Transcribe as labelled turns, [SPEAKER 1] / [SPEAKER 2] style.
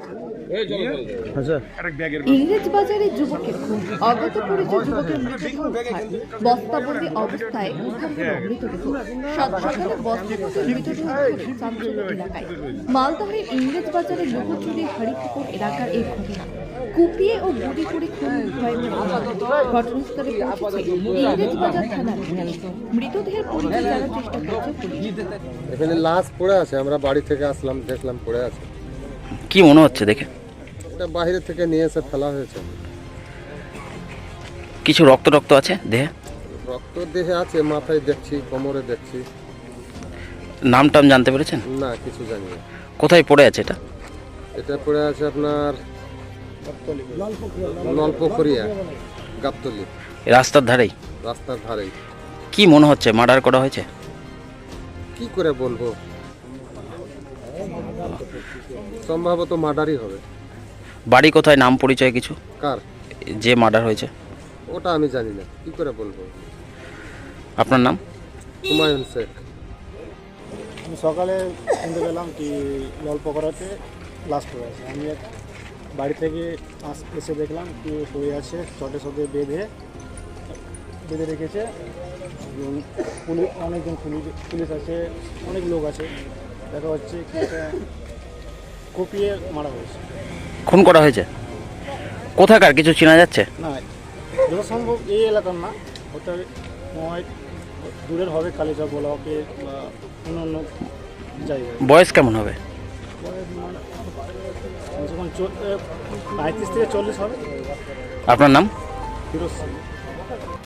[SPEAKER 1] ইংরেজ বাজারে যুবকের খুন, অজ্ঞাত পরিচয় যুবকের মৃতদেহ উদ্ধার, বস্তাবন্দি অবস্থায় উদ্ধার হলো মৃতদেহ। সাত সকালে বস্তাবন্দি মৃতদেহ উদ্ধার চাঞ্চল্য এলাকায়। মালদহের ইংরেজ বাজারে লোকচুরি হরিপুকুর এলাকার এই ঘটনা। কুপিয়ে ও গুলি করে খুন হয় ঘটনাস্থলে পৌঁছেছে ইংরেজ বাজার থানার পুলিশ। মৃতদেহের পরিচয় জানার চেষ্টা করছে পুলিশ।
[SPEAKER 2] এখানে লাশ পড়ে আছে, আমরা বাড়ি থেকে আসলাম, দেখলাম পড়ে আছে।
[SPEAKER 3] কি মনে হচ্ছে দেখে?
[SPEAKER 2] এটা বাইরে থেকে নিয়ে এসে ফেলা হয়েছে।
[SPEAKER 3] কিছু রক্ত রক্ত আছে দেহে?
[SPEAKER 2] রক্ত দেহে আছে, মাথায় দেখছি, কোমরে দেখছি।
[SPEAKER 3] নাম টাম জানতে পেরেছেন?
[SPEAKER 2] না, কিছু জানি না।
[SPEAKER 3] কোথায় পড়ে আছে এটা?
[SPEAKER 2] এটা পড়ে আছে আপনার নলপুকুরিয়া গাবতলি,
[SPEAKER 3] রাস্তার ধারেই?
[SPEAKER 2] রাস্তার ধারেই।
[SPEAKER 3] কি মনে হচ্ছে মার্ডার করা হয়েছে?
[SPEAKER 2] কি করে বলবো, সম্ভবত মার্ডারই হবে।
[SPEAKER 3] বাড়ি কোথায়, নাম পরিচয় কিছু?
[SPEAKER 2] কার?
[SPEAKER 3] যে মার্ডার হয়েছে
[SPEAKER 2] ওটা আমি জানি না, কি করে বলবো।
[SPEAKER 3] আপনার নাম?
[SPEAKER 2] হুমায়ুন শেখ।
[SPEAKER 4] আমি সকালে শুনতে পেলাম কি জলপকড়াতে লাশ পড়ে আছে। আমি বাড়ি থেকে এসে দেখলাম কি পড়ে আছে, চটের সাথে বেঁধে রেখেছে। অনেকজন পুলিশ আছে, অনেক লোক আছে। দেখা হচ্ছে কি এটা কুপিয়ে মারা হয়েছে।
[SPEAKER 3] খুন করা হয়েছে? কোথাকার কিছু চেনা যাচ্ছে?
[SPEAKER 4] না, যত সম্ভব এই এলাকার না, ওটা নয় দূরের হবে, কালীচক ব্লকে বা অন্য জায়গায়।
[SPEAKER 3] বয়স কেমন হবে?
[SPEAKER 4] 35 থেকে 40 হবে।
[SPEAKER 3] আপনার নাম?
[SPEAKER 4] ফিরোজ সিং।